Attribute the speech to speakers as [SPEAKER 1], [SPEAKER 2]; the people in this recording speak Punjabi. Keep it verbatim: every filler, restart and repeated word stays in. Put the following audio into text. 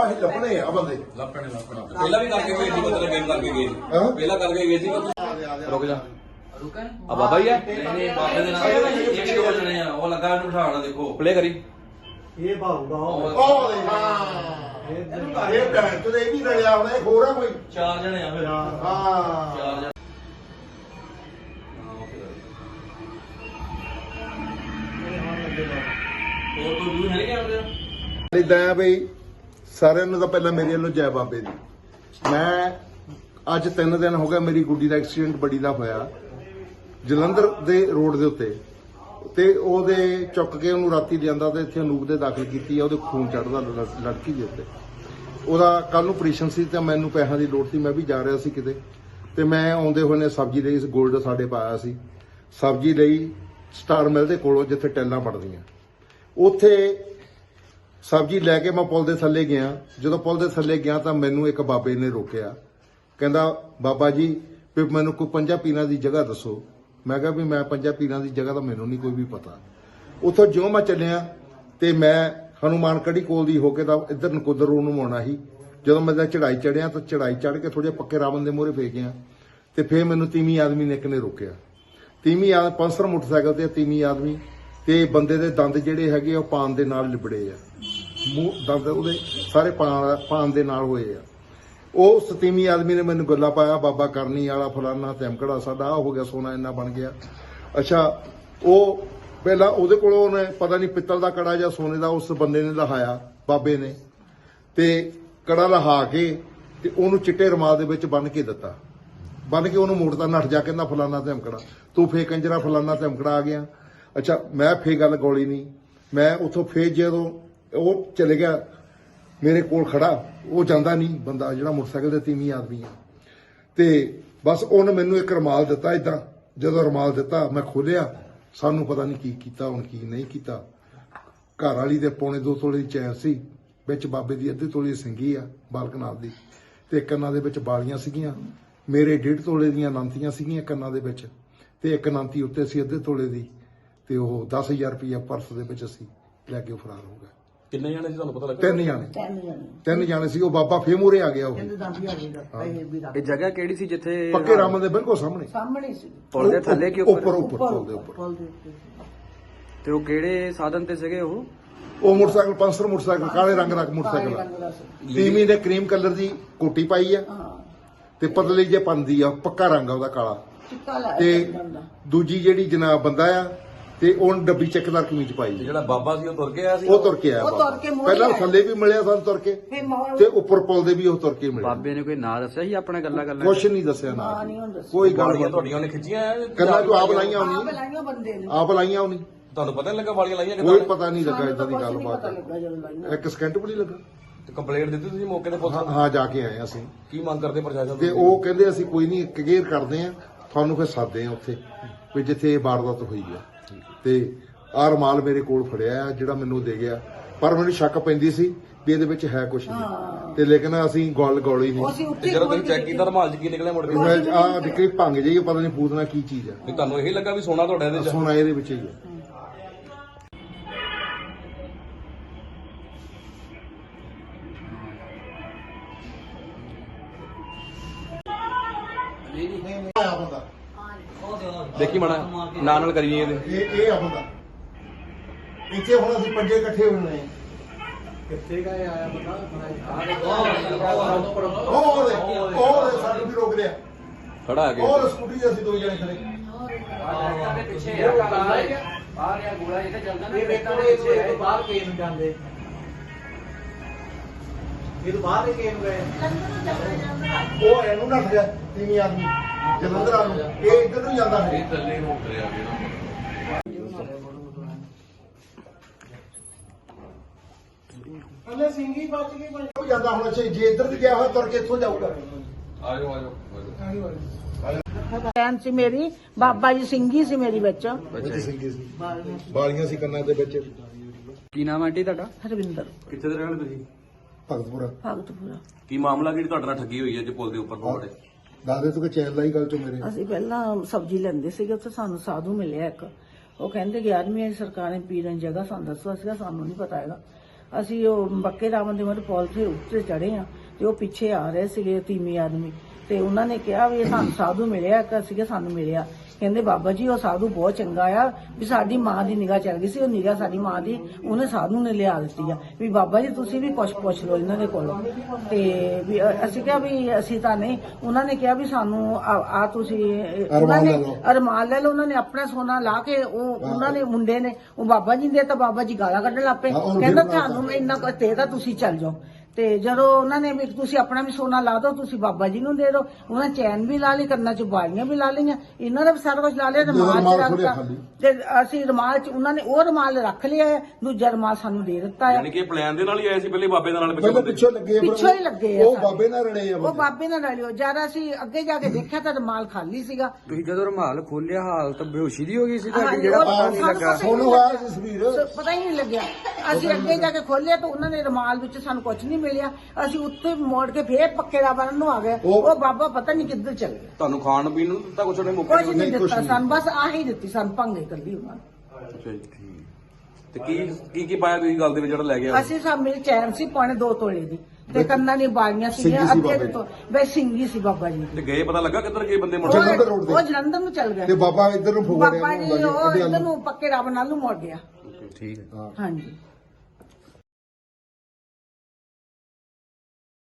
[SPEAKER 1] ਇਹ ਲੱਭਣੇ ਆ ਬੰਦੇ
[SPEAKER 2] ਲੱਭਣੇ ਲੱਭਣਾ ਪਹਿਲਾਂ ਵੀ ਕਰਕੇ ਗਏ ਸੀ ਮਤਲਬ ਗੇਮ ਕਰਕੇ ਗਏ ਪਹਿਲਾਂ ਕਰਕੇ ਗਏ ਸੀ ਰੁਕ ਜਾ
[SPEAKER 3] ਰੁਕਾ
[SPEAKER 2] ਆ ਬਾਬਾ ਹੀ ਆ
[SPEAKER 3] ਨਹੀਂ ਨਹੀਂ ਬਾਬੇ ਦੇ ਨਾਲ ਇਹ ਵੀ ਦੋ ਜਣੇ ਆ ਉਹ ਲੱਗਾ ਇਹਨੂੰ ਬਿਠਾਉਣਾ ਦੇਖੋ
[SPEAKER 2] ਪਲੇ ਕਰੀ
[SPEAKER 4] ਇਹ ਭਾਊਗਾ
[SPEAKER 1] ਉਹ ਦੇ ਹਾਂ ਇਹ ਬੈਂਕ ਤੇ ਇਹ ਵੀ ਰਲਿਆ ਹੋਣਾ ਇਹ ਹੋਰ ਆ ਕੋਈ
[SPEAKER 3] ਚਾਰ ਜਣੇ ਆ ਫਿਰ
[SPEAKER 1] ਹਾਂ
[SPEAKER 3] ਚਾਰ ਜਣੇ ਹੋਰ ਕੋਈ ਦੂਰ ਹੈ ਨਹੀਂ ਆਉਂਦੇ
[SPEAKER 1] ਇਦਾਂ ਆ ਬਈ ਸਾਰਿਆਂ ਨੂੰ ਤਾਂ ਪਹਿਲਾਂ ਮੇਰੇ ਵੱਲੋਂ ਜੈ ਬਾਬੇ ਦੀ। ਮੈਂ ਅੱਜ ਤਿੰਨ ਦਿਨ ਹੋ ਗਏ ਮੇਰੀ ਗੁੱਡੀ ਦਾ ਐਕਸੀਡੈਂਟ ਬੜੀ ਦਾ ਹੋਇਆ ਜਲੰਧਰ ਦੇ ਰੋਡ ਦੇ ਉੱਤੇ ਤੇ ਉਹਦੇ ਚੁੱਕ ਕੇ ਉਹਨੂੰ ਰਾਤੀ ਲਿਆਂਦਾ ਤੇ ਇੱਥੇ ਅਨੂਪ ਦੇ ਦਾਖਲ ਕੀਤੀ ਆ। ਉਹਦੇ ਖੂਨ ਚੜਦਾ ਲੜਕੀ ਦੇ ਉੱਤੇ। ਉਹਦਾ ਕੱਲ ਨੂੰ ਆਪਰੇਸ਼ਨ ਸੀ ਤੇ ਮੈਨੂੰ ਪੈਸਿਆਂ ਦੀ ਲੋੜ ਸੀ, ਮੈਂ ਵੀ ਜਾ ਰਿਹਾ ਸੀ ਕਿਤੇ ਤੇ ਮੈਂ ਆਉਂਦੇ ਹੋਏ ਨੇ ਸਬਜ਼ੀ ਲਈ ਗੋਲਡ ਸਾਡੇ ਪਾਇਆ ਸੀ ਸਬਜ਼ੀ ਲਈ ਸਟਾਰ ਮਿਲ ਦੇ ਕੋਲੋਂ ਜਿੱਥੇ ਟੈਲਾਂ ਪੜਦੀਆਂ ਉੱਥੇ ਸਬਜ਼ੀ ਲੈ ਕੇ ਮੈਂ ਪੁਲ ਦੇ ਥੱਲੇ ਗਿਆ। ਜਦੋਂ ਪੁਲ ਦੇ ਥੱਲੇ ਗਿਆ ਤਾਂ ਮੈਨੂੰ ਇੱਕ ਬਾਬੇ ਨੇ ਰੋਕਿਆ, ਕਹਿੰਦਾ ਬਾਬਾ ਜੀ ਵੀ ਮੈਨੂੰ ਕੋਈ ਪੰਜਾਂ ਪੀਰਾਂ ਦੀ ਜਗ੍ਹਾ ਦੱਸੋ। ਮੈਂ ਕਿਹਾ ਵੀ ਮੈਂ ਪੰਜਾਂ ਪੀਰਾਂ ਦੀ ਜਗ੍ਹਾ ਤਾਂ ਮੈਨੂੰ ਨਹੀਂ ਕੋਈ ਵੀ ਪਤਾ। ਉੱਥੋਂ ਜਿਉਂ ਮੈਂ ਚੱਲਿਆ ਤੇ ਮੈਂ ਹਨੂਮਾਨ ਕੜੀ ਕੋਲ ਦੀ ਹੋ ਕੇ ਤਾਂ ਇੱਧਰ ਨਕੋਦਰ ਰੋਡ ਨੂੰ ਆਉਣਾ ਸੀ। ਜਦੋਂ ਮੈਂ ਚੜਾਈ ਚੜਿਆ ਤਾਂ ਚੜਾਈ ਚੜ ਕੇ ਥੋੜੇ ਪੱਕੇ ਰਾਵਣ ਦੇ ਮੂਹਰੇ ਫੇਕ ਗਿਆ ਤੇ ਫੇਰ ਮੈਨੂੰ ਤੀਵੀਂ ਆਦਮੀ ਨੇ ਇੱਕ ਨੇ ਰੋਕਿਆ। ਤੀਵੀਂ ਆ ਪੰਸਰ ਮੋਟਰਸਾਈਕਲ ਤੇ ਤੀਵੀਂ ਆਦਮੀ ਤੇ ਬੰਦੇ ਦੇ ਦੰਦ ਜਿਹੜੇ ਹੈਗੇ ਉਹ ਪਾਨ ਦੇ ਨਾਲ ਲਿਬੜੇ ਆ, ਮੂੰਹ ਦੰਦ ਉਹਦੇ ਸਾਰੇ ਪਾਨ ਪਾਨ ਦੇ ਨਾਲ ਹੋਏ ਆ। ਉਹ ਸਤੀਵੀਂ ਆਦਮੀ ਨੇ ਮੈਨੂੰ ਗੱਲਾਂ ਪਾਇਆ, ਬਾਬਾ ਕਰਨੀ ਵਾਲਾ ਫਲਾਨਾ ਧਮਕੜਾ ਸਾਡਾ ਆ ਹੋ ਗਿਆ, ਸੋਨਾ ਇੰਨਾ ਬਣ ਗਿਆ। ਅੱਛਾ, ਉਹ ਪਹਿਲਾਂ ਉਹਦੇ ਕੋਲੋਂ ਉਹਨੇ ਪਤਾ ਨਹੀਂ ਪਿੱਤਲ ਦਾ ਕੜਾ ਜਾਂ ਸੋਨੇ ਦਾ ਉਸ ਬੰਦੇ ਨੇ ਲਹਾਇਆ ਬਾਬੇ ਨੇ ਤੇ ਕੜਾ ਲਹਾ ਕੇ ਤੇ ਉਹਨੂੰ ਚਿੱਟੇ ਰੁਮਾਲ ਦੇ ਵਿੱਚ ਬੰਨ ਕੇ ਦਿੱਤਾ। ਬੰਨ ਕੇ ਉਹਨੂੰ ਮੋੜਦਾ ਨੱਠ ਜਾ, ਕਹਿੰਦਾ ਫਲਾਨਾ ਧਮਕੜਾ ਤੂੰ ਫੇ ਕੰਜਰਾ ਫਲਾਨਾ ਧਮਕੜਾ ਆ ਗਿਆ। ਅੱਛਾ, ਮੈਂ ਫੇ ਗੱਲ ਗੋਲੀ ਨਹੀਂ। ਮੈਂ ਉੱਥੋਂ ਫੇਰ ਜਦੋਂ ਉਹ ਚਲੇ ਗਿਆ ਮੇਰੇ ਕੋਲ ਖੜਾ, ਉਹ ਜਾਂਦਾ ਨਹੀਂ ਬੰਦਾ ਜਿਹੜਾ ਮੋਟਰਸਾਈਕਲ ਤੇ ਤੀਵੀਂ ਆਦਮੀ ਆ ਤੇ ਬਸ ਉਹਨੇ ਮੈਨੂੰ ਇੱਕ ਰੁਮਾਲ ਦਿੱਤਾ। ਇਦਾਂ ਜਦੋਂ ਰੁਮਾਲ ਦਿੱਤਾ ਮੈਂ ਖੋਲਿਆ, ਸਾਨੂੰ ਪਤਾ ਨਹੀਂ ਕੀ ਕੀਤਾ ਹੁਣ ਕੀ ਨਹੀਂ ਕੀਤਾ। ਘਰ ਵਾਲੀ ਦੇ ਪੌਣੇ ਦੋ ਤੋਲੇ ਦੀ ਚੈਨ ਸੀ, ਵਿੱਚ ਬਾਬੇ ਦੀ ਅੱਧੇ ਤੋਲੇ ਦੀ ਸਿੰਗੀ ਆ ਬਾਲਕਨਾਥ ਦੀ ਤੇ ਕੰਨਾਂ ਦੇ ਵਿੱਚ ਬਾਲੀਆਂ ਸੀਗੀਆਂ। ਮੇਰੇ ਡੇਢ ਤੋਲੇ ਦੀਆਂ ਨਾਂਤੀਆਂ ਸੀਗੀਆਂ ਕੰਨਾਂ ਦੇ ਵਿੱਚ ਤੇ ਇੱਕ ਨਾਂਤੀ ਉੱਤੇ ਸੀ ਅੱਧੇ ਤੋਲੇ ਦੀ ਤੇ ਉਹ ਦਸ ਹਜ਼ਾਰ ਰੁਪਇਆ ਪਰਸ ਦੇ ਵਿੱਚ ਅਸੀਂ ਲੈ ਕੇ ਫਰਾਰ ਹੋ ਗਏ।
[SPEAKER 2] ਕਿੰਨੇ ਜਾਣੇ ਸੀ ਤੁਹਾਨੂੰ ਪਤਾ ਲੱਗਾ?
[SPEAKER 1] ਤਿੰਨ ਜਾਣੇ ਤਿੰਨ ਜਾਣੇ ਸੀ। ਉਹ ਬਾਬਾ ਫੇਰ ਮੂਹਰੇ ਆ ਗਿਆ। ਉਹ
[SPEAKER 3] ਇਹ ਜਗ੍ਹਾ ਕਿਹੜੀ ਸੀ ਜਿੱਥੇ
[SPEAKER 1] ਪੱਕੇ ਰਾਮਨ ਦੇ ਬਿਲਕੁਲ ਸਾਹਮਣੇ
[SPEAKER 5] ਸਾਹਮਣੇ ਸੀ
[SPEAKER 3] ਪੁਲ ਦੇ ਥੱਲੇ ਕਿ
[SPEAKER 1] ਉੱਪਰ
[SPEAKER 3] ਉੱਪਰ
[SPEAKER 1] ਉੱਪਰ ਪੁਲ ਦੇ ਉੱਪਰ।
[SPEAKER 5] ਪੁੱਲ ਦੇ ਉੱਤੇ।
[SPEAKER 3] ਤੇ ਉਹ ਕਿਹੜੇ ਸਾਧਨ ਤੇ ਸੀਗੇ ਉਹ?
[SPEAKER 1] ਉਹ ਮੋਟਰਸਾਈਕਲ ਪੰਸਰ ਮੋਟਰਸਾਈਕਲ ਕਾਲੇ ਰੰਗ ਦਾ ਮੋਟਰਸਾਈਕਲ
[SPEAKER 5] ਕਾਲੇ
[SPEAKER 1] ਆ।
[SPEAKER 5] ਰੰਗ ਦਾ ਸੀ।
[SPEAKER 1] ਤੀਵੀਂ ਨੇ ਕਰੀਮ ਕਲਰ ਦੀ ਕੋਟੀ ਪਾਈ ਆ
[SPEAKER 5] ਹਾਂ,
[SPEAKER 1] ਤੇ ਪਤਲੀ ਜੇ ਪੰਦੀ ਆ, ਪੱਕਾ ਰੰਗ ਆ ਉਹਦਾ ਕਾਲਾ।
[SPEAKER 5] ਚਿੱਟਾ ਲਾਇਆ
[SPEAKER 1] ਤੇ
[SPEAKER 5] ਸੀ ਬੰਦਾ।
[SPEAKER 1] ਦੂਜੀ ਜਿਹੜੀ ਜਨਾਬ ਬੰਦਾ ਆ ਤੇ ਉਹਨ ਡੱਬੀ ਚੱਕਦਾਰ ਕਮੀਜ਼ ਪਾਈ ਆ।
[SPEAKER 2] ਜਿਹੜਾ ਬਾਬਾ ਸੀ ਉਹ ਤੁਰ ਕੇ ਆਇਆ ਸੀ?
[SPEAKER 1] ਉਹ ਤੁਰ ਕੇ ਆਇਆ
[SPEAKER 5] ਉਹ ਤੁਰ
[SPEAKER 1] ਬਾਬਾ।
[SPEAKER 5] ਕੇ ਮੂਹਰੇ
[SPEAKER 1] ਪਹਿਲਾਂ
[SPEAKER 5] ਆਇਆ।
[SPEAKER 1] ਥੱਲੇ ਵੀ ਮਿਲਿਆ ਸਾਨੂੰ ਤੁਰ ਕੇ
[SPEAKER 5] ਫੇ ਮੌਲ
[SPEAKER 1] ਤੇ ਉੱਪਰ ਪੁਲ ਦੇ ਵੀ ਉਹ ਤੁਰ ਕੇ ਮਿਲਿਆ।
[SPEAKER 3] ਬਾਬੇ ਨੇ ਕੋਈ ਨਾਂ ਦੱਸਿਆ ਸੀ ਆਪਣਾ ਗੱਲਾਂ ਗੱਲਾਂ?
[SPEAKER 1] ਕੁਛ ਨਹੀਂ ਦੱਸਿਆ
[SPEAKER 5] ਨਾ
[SPEAKER 1] ਨਾ
[SPEAKER 5] ਨਹੀਂ ਹੁੰਦਾ ਸੀ।
[SPEAKER 1] ਕੋਈ ਗੱਲ
[SPEAKER 2] ਵਾਲੀਆਂ
[SPEAKER 1] ਨਹੀਂ।
[SPEAKER 2] ਤੁਹਾਡੀਆਂ ਉਹਨੇ ਖਿੱਚੀਆਂ
[SPEAKER 1] ਕੰਨਾਂ ਤੋਂ ਆਪ ਲਾਈਆਂ
[SPEAKER 5] ਆਪ
[SPEAKER 1] ਹੋਣੀ,
[SPEAKER 5] ਲਾਈਆਂ ਬੰਦੇ ਨੇ।
[SPEAKER 1] ਆਪ ਲਾਈਆਂ ਹੋਣੀ।
[SPEAKER 2] ਤੁਹਾਨੂੰ ਪਤਾ ਨਹੀਂ ਲੱਗਾ ਵਾਲੀਆਂ ਲਾਈਆਂ
[SPEAKER 1] ਕੋਈ
[SPEAKER 2] ਕਿੱਦਾਂ?
[SPEAKER 1] ਪਤਾ ਨਹੀਂ ਲੱਗਾ
[SPEAKER 5] ਸਾਨੂੰ
[SPEAKER 1] ਇਦਾਂ ਦੀ
[SPEAKER 5] ਤਾਂ ਕੁਛ
[SPEAKER 1] ਗੱਲ
[SPEAKER 5] ਨਹੀਂ
[SPEAKER 1] ਬਾਤ
[SPEAKER 5] ਪਤਾ ਲੱਗਾ ਜਦੋਂ ਲਾਈਆਂ।
[SPEAKER 1] ਇੱਕ ਸਕਿੰਟ ਵੀ ਨਹੀਂ ਲੱਗਾ।
[SPEAKER 2] ਤੇ ਕੰਪਲੇਂਟ ਦਿੱਤੀ ਤੁਸੀਂ ਮੌਕੇ ਤੇ ਪੁਲਿਸ
[SPEAKER 1] ਹਾਂ
[SPEAKER 2] ਨੂੰ?
[SPEAKER 1] ਹਾਂ, ਜਾ ਕੇ ਆਏ ਅਸੀਂ
[SPEAKER 2] ਕੀ ਮੰਗ ਕਰਦੇ ਪ੍ਰਸ਼ਾਸਨ
[SPEAKER 1] ਤੇ
[SPEAKER 2] ਤੋਂ?
[SPEAKER 1] ਉਹ ਕਹਿੰਦੇ ਅਸੀਂ ਕੋਈ ਨਹੀਂ ਕਲੀਅਰ ਕਰਦੇ ਆ ਤੁਹਾਨੂੰ, ਫਿਰ ਸਾਦੇ ਆ ਉੱਥੇ ਵੀ ਜਿੱਥੇ ਇਹ ਵਾਰਦਾਤ ਹੋਈ ਆ। ਤੇ ਆਹ ਰੁਮਾਲ ਮੇਰੇ ਕੋਲ ਫੜਿਆ ਆ ਜਿਹੜਾ ਮੈਨੂੰ ਦੇ ਗਿਆ, ਪਰ ਮੈਨੂੰ ਸ਼ੱਕ ਪੈਂਦੀ ਸੀ ਵੀ ਇਹਦੇ ਵਿੱਚ ਹੈ ਕੁਝ ਨਹੀਂ ਤੇ ਲੇਕਿਨ ਅਸੀਂ ਗੋਲ ਗੋਲੀ ਨਹੀਂ।
[SPEAKER 5] ਅਸੀਂ
[SPEAKER 2] ਤੇ
[SPEAKER 5] ਉੱਤੇ
[SPEAKER 2] ਜਦੋਂ ਤੁਸੀਂ ਚੈੱਕ ਕੀਤਾ ਰਮਾਲ ਚ ਕੀ ਨਿਕਲਿਆ ਮੁੜ ਕੇ?
[SPEAKER 1] ਆ ਨਿਕਲੀ ਭੰਗ ਜਾਈ, ਪਤਾ ਨਹੀਂ ਪੂਤਨਾ ਕੀ ਚੀਜ਼ ਆ।
[SPEAKER 2] ਵੀ ਤੁਹਾਨੂੰ ਇਹ ਲੱਗਾ ਵੀ ਸੋਨਾ ਤੁਹਾਡਾ ਇਹਦੇ ਚ?
[SPEAKER 1] ਸੋਨਾ ਇਹਦੇ ਵਿੱਚ ਹੀ ਆ।
[SPEAKER 2] ਦੇਖੀ ਮਾੜਾ ਨਾਲ ਨਾਲ ਕਰੀਏ ਇਹਦੇ।
[SPEAKER 1] ਇਹ ਇਹ ਆ ਬੰਦਾ। ਇੱਥੇ ਹੁਣ ਅਸੀਂ ਪੰਜੇ ਇਕੱਠੇ ਹੋਣੇ ਆ।
[SPEAKER 4] ਕਿੱਥੇ ਗਏ ਆਇਆ ਪਤਾ
[SPEAKER 1] ਉਹ ਦੇ ਉਹ ਦੇ ਸਾਨੂੰ ਵੀ ਰੋਕ ਲਿਆ।
[SPEAKER 2] ਖੜਾ ਆ ਕੇ
[SPEAKER 1] ਉਹ ਸਕੂਟੀ ਤੇ ਅਸੀਂ ਦੋ ਜਣੇ ਖੜੇ।
[SPEAKER 4] ਇਹ ਵੇਖੋ ਇਹ ਤੋਂ ਬਾਹਰ ਕੇ ਨੂੰ ਜਾਂਦੇ, ਇਹ ਤੋਂ ਬਾਹਰ ਕੇ ਨੂੰ ਗਏ।
[SPEAKER 1] ਉਹ ਇਹਨੂੰ ਨੱਠ ਗਿਆ ਤੀਵੀਂ ਆਦਮੀ ਜਲੰਧਰ ਆ ਨੂੰ, ਇਹ ਇੱਧਰ ਨੂੰ ਜਾਂਦਾ ਹੈ।
[SPEAKER 2] ਥੱਲੇ ਨੂੰ ਉਤਰਿਆ
[SPEAKER 4] ਹਲੇ ਸਿੰਘੀ ਬਚ ਗਈ ਪਰ
[SPEAKER 1] ਉਹ ਜਾਂਦਾ ਹੁਣ। ਅੱਛਾ, ਜੇ ਇੱਧਰ ਦੀ ਗਿਆ ਹੋਇਆ ਤੁਰ ਕੇ ਇੱਥੋਂ ਜਾਊਗਾ।
[SPEAKER 2] ਆਜੋ ਆਜੋ
[SPEAKER 5] ਭੈਣ ਸੀ ਮੇਰੀ, ਬਾਬਾ ਜੀ ਸਿੰਘੀ ਸੀ ਮੇਰੀ ਵਿੱਚ।
[SPEAKER 1] ਵਿੱਚ ਸਿੰਗੀ ਸੀ, ਬਾਲੀਆਂ ਸੀ ਕੰਨਾਂ ਦੇ ਵਿੱਚ।
[SPEAKER 3] ਕੀ ਨਾਮ ਆਂਟੀ ਤੁਹਾਡਾ?
[SPEAKER 5] ਹਰਵਿੰਦਰ
[SPEAKER 2] ਕਿੱਥੇ ਦੇ ਰਹਿਣ ਵਾਲੇ ਤੁਸੀਂ?
[SPEAKER 1] ਭਗਤਪੁਰਾ।
[SPEAKER 5] ਭਗਤਪੁਰਾ।
[SPEAKER 2] ਕੀ ਮਾਮਲਾ ਕਿਹੜੀ ਤੁਹਾਡੇ ਨਾਲ ਠੱਗੀ ਹੋਈ ਹੈ ਜੇ ਪੁਲ ਦੇ ਉੱਪਰ ਤੁਹਾਡੇ?
[SPEAKER 1] ਦੱਸਦੇ ਤੂੰ ਕਿ ਚੈਨ ਲਾਈ ਗੱਲ ਚੋਂ ਮੇਰੇ।
[SPEAKER 5] ਅਸੀਂ ਪਹਿਲਾਂ ਸਬਜ਼ੀ ਲੈਂਦੇ ਸੀਗੇ, ਉੱਥੇ ਸਾਨੂੰ ਸਾਧੂ ਮਿਲਿਆ ਇੱਕ। ਉਹ ਕਹਿੰਦੇ ਗਿਆਰਵੀਂ ਸਰਕਾਰ ਨੇ ਪੀਰਨ ਜਗ੍ਹਾ ਸਾਨੂੰ ਦੱਸੋ। ਸੀਗਾ ਸਾਨੂੰ ਨਹੀਂ ਪਤਾ ਹੈਗਾ। ਅਸੀਂ ਉਹ ਬੱਕੇ ਰਾਮਨ ਦੇ ਮਰ ਪੁਲ ਤੇ ਉੱਤੇ ਚੜੇ ਆ ਤੇ ਉਹ ਪਿੱਛੇ ਆ ਰਹੇ ਸੀਗੇ ਤੀਮੀ ਆਦਮੀ ਤੇ ਉਹਨਾਂ ਨੇ ਕਿਹਾ ਵੀ ਇਹ ਸਾਨੂੰ ਸਾਧੂ ਮਿਲਿਆ ਕਿ ਸੀਗੇ ਸਾਨੂੰ ਮਿਲਿਆ ਕਹਿੰਦੇ ਬਾਬਾ ਜੀ ਉਹ ਸਾਧੂ ਬਹੁਤ ਚੰਗਾ ਆ ਵੀ ਸਾਡੀ ਮਾਂ ਦੀ ਨਿਗਾਹ ਚੱਲ ਗਈ ਸੀ ਉਹ ਨਿਗਾਹ ਸਾਡੀ ਮਾਂ ਦੀ ਉਹਨੇ ਸਾਧੂ ਨੇ ਲਿਆ ਦਿੱਤੀ ਆ ਵੀ ਬਾਬਾ ਜੀ ਤੁਸੀਂ ਵੀ ਕੁਛ ਪੁੱਛ ਲਓ ਇਹਨਾਂ ਦੇ ਕੋਲੋਂ ਤੇ ਵੀ ਅ- ਅਸੀਂ ਕਿਹਾ ਵੀ ਅਸੀਂ ਤਾਂ ਨਹੀਂ ਉਹਨਾਂ ਨੇ ਕਿਹਾ ਵੀ ਸਾਨੂੰ ਆ ਆ ਤੁਸੀਂ ਉਹਨਾਂ ਨੇ ਅਰਮਾਨ ਲੈ ਲਓ ਉਹਨਾਂ ਨੇ ਆਪਣਾ ਸੋਨਾ ਲਾ ਕੇ ਉਹ ਉਹਨਾਂ ਨੇ ਮੁੰਡੇ ਨੇ ਉਹ ਬਾਬਾ ਜੀ ਦੇ ਤਾਂ ਬਾਬਾ ਜੀ ਗਾਲਾਂ ਕੱਢਣ ਲੱਪੇ ਕਹਿੰਦਾ ਤੁਹਾਨੂੰ ਇੰਨਾ ਕੁ ਤੇ ਤਾਂ ਤੁਸੀਂ ਚੱਲ ਜਾਓ ਤੇ ਜਦੋਂ ਉਹਨਾਂ ਨੇ ਵੀ ਤੁਸੀਂ ਆਪਣਾ ਵੀ ਸੋਨਾ ਲਾ ਦਿਓ ਤੁਸੀਂ ਬਾਬਾ ਜੀ ਨੂੰ ਦੇ ਦਿਓ ਉਹਨਾਂ ਚੈਨ ਵੀ ਲਾ ਲਈ ਕੰਨਾਂ 'ਚ ਬਾਲੀਆਂ ਵੀ ਲਾ ਲਈਆਂ ਇਹਨਾਂ ਦਾ ਵੀ ਸਾਰਾ ਕੁਝ ਲਾ ਲਿਆ ਰਮਾਲ 'ਚ ਰੱਖਤਾ ਤੇ ਅਸੀਂ ਰਮਾਲ 'ਚ ਉਹਨਾਂ ਨੇ ਉਹ ਰਮਾਲ ਰੱਖ ਲਿਆ ਹੈ ਦੂਜਾ ਰਮਾਲ ਸਾਨੂੰ ਦੇ ਦਿੱਤਾ ਹੈ
[SPEAKER 2] ਯਾਨੀ ਕਿ ਪਲਾਨ ਦੇ ਨਾਲ ਹੀ ਆਏ ਸੀ ਪਹਿਲੇ ਬਾਬੇ ਦੇ ਨਾਲ
[SPEAKER 1] ਪਹਿਲਾਂ ਪਿੱਛੋਂ ਲੱਗੇ ਆ,
[SPEAKER 5] ਪਿੱਛੋਂ ਹੀ ਲੱਗੇ ਆ
[SPEAKER 1] ਉਹ
[SPEAKER 5] ਸਾਰੇ।
[SPEAKER 1] ਬਾਬੇ ਨਾਲ ਰਲੇ ਆ
[SPEAKER 5] ਉਹ ਬਾਬੇ ਨਾਲ ਰਲਿਓ ਜਦ ਅਸੀਂ ਅੱਗੇ ਜਾ ਕੇ ਦੇਖਿਆ ਤਾਂ ਰਮਾਲ ਖਾਲੀ ਸੀਗਾ
[SPEAKER 3] ਤੁਸੀਂ ਜਦੋਂ ਰੁਮਾਲ ਖੋਲਿਆ ਹਾਲਤ ਬੇਹੋਸ਼ੀ ਦੀ ਹੋ ਗਈ ਸੀ
[SPEAKER 5] ਹਾਂਜੀ,
[SPEAKER 3] ਤੁਹਾਡੀ ਜਿਹੜਾ
[SPEAKER 5] ਉਹ
[SPEAKER 3] ਪਤਾ ਨਹੀਂ
[SPEAKER 5] ਸਾਨੂੰ
[SPEAKER 3] ਲੱਗਾ
[SPEAKER 5] ਪਤਾ ਹੀ
[SPEAKER 1] ਸੋਨੂੰ
[SPEAKER 5] ਨਹੀਂ
[SPEAKER 1] ਆਇਆ
[SPEAKER 5] ਲੱਗਾ।
[SPEAKER 1] ਸੀ ਸਵੀਰ
[SPEAKER 5] ਪਤਾ ਹੀ ਨਹੀਂ ਲੱਗਿਆ ਅਸੀਂ ਅੱਗੇ ਜਾ ਕੇ ਖੋਲਿਆ ਤਾਂ ਉਹਨਾਂ ਨੇ ਰਮਾਲ ਵਿੱਚ ਸਾਨੂੰ ਕੁਝ ਨਹੀਂ ਮਿਲਿਆ ਅਸੀਂ ਉੱਥੇ ਮੋੜ ਕੇ ਫੇਰ ਪੱਕੇ ਦਾ ਬੰਨ ਨੂੰ ਆ ਗਏ
[SPEAKER 1] ਉਹ-
[SPEAKER 5] ਉਹ ਬਾਬਾ ਪਤਾ ਨਹੀਂ ਕਿੱਧਰ ਚਲ ਗਿਆ
[SPEAKER 2] ਤੁਹਾਨੂੰ ਖਾਣ ਪੀਣ ਨੂੰ ਦਿੱਤਾ ਕੁਛ ਉਹਨੇ ਮੁੱਕ
[SPEAKER 5] ਕੁਝ ਨਹੀਂ
[SPEAKER 1] ਨਹੀਂ, ਕੁਛ
[SPEAKER 5] ਦਿੱਤਾ
[SPEAKER 1] ਨਹੀਂ।
[SPEAKER 5] ਸਾਨੂੰ ਬਸ ਆਹੀ ਦਿੱਤੀ ਸਾਨੂੰ ਭੰਗੇ ਕੱਲੀ ਉਹਨਾਂ ਨੇ
[SPEAKER 2] ਅੱਛਾ ਜੀ ਤੇ ਕੀ ਕੀ ਕੀ ਪਾਇਆ ਤੁਸੀਂ ਗੱਲ ਦੇ ਵਿੱਚ ਜਿਹੜਾ ਲੈ ਗਿਆ
[SPEAKER 5] ਅਸੀਂ ਸਭ ਮੇਰੇ ਚੈਨ ਸੀ ਪੌਣੇ ਦੋ ਤੋਲੇ ਦੀ ਤੇ ਕੰਨਾਂ ਦੀ ਬਾਲੀਆਂ ਸੀਗੀਆਂ
[SPEAKER 1] ਸਿੰਘੀ ਸੀ
[SPEAKER 5] ਅੱਧੇ
[SPEAKER 1] ਬਾਬਾ
[SPEAKER 5] ਤੋਂ ਬਈ ਸਿੰਘੀ ਸੀ ਬਾਬਾ ਜੀ
[SPEAKER 2] ਤੇ
[SPEAKER 5] ਦੀ
[SPEAKER 2] ਗਏ ਪਤਾ ਲੱਗਾ ਕਿੱਧਰ ਗਏ ਬੰਦੇ ਮੁੜ
[SPEAKER 1] ਅੱਛਾ,
[SPEAKER 2] ਕੇ?
[SPEAKER 1] ਜਲੰਧਰ road
[SPEAKER 5] ਉਹ
[SPEAKER 1] ਤੇ।
[SPEAKER 5] ਉਹ ਜਲੰਧਰ ਨੂੰ ਚੱਲ
[SPEAKER 1] ਤੇ
[SPEAKER 5] ਗਿਆ
[SPEAKER 1] ਬਾਬਾ ਇੱਧਰ ਨੂੰ ਫੋੜਿਆ
[SPEAKER 5] ਬਾਬਾ ਜੀ ਉਹ ਇੱਧਰ ਨੂੰ ਪੱਕੇ ਰੱਬ ਨਾਲ ਨੂੰ ਮੁੜ ਗਿਆ
[SPEAKER 3] ਠੀਕ ਹੈ
[SPEAKER 1] ਹਾਂ
[SPEAKER 5] ਹਾਂਜੀ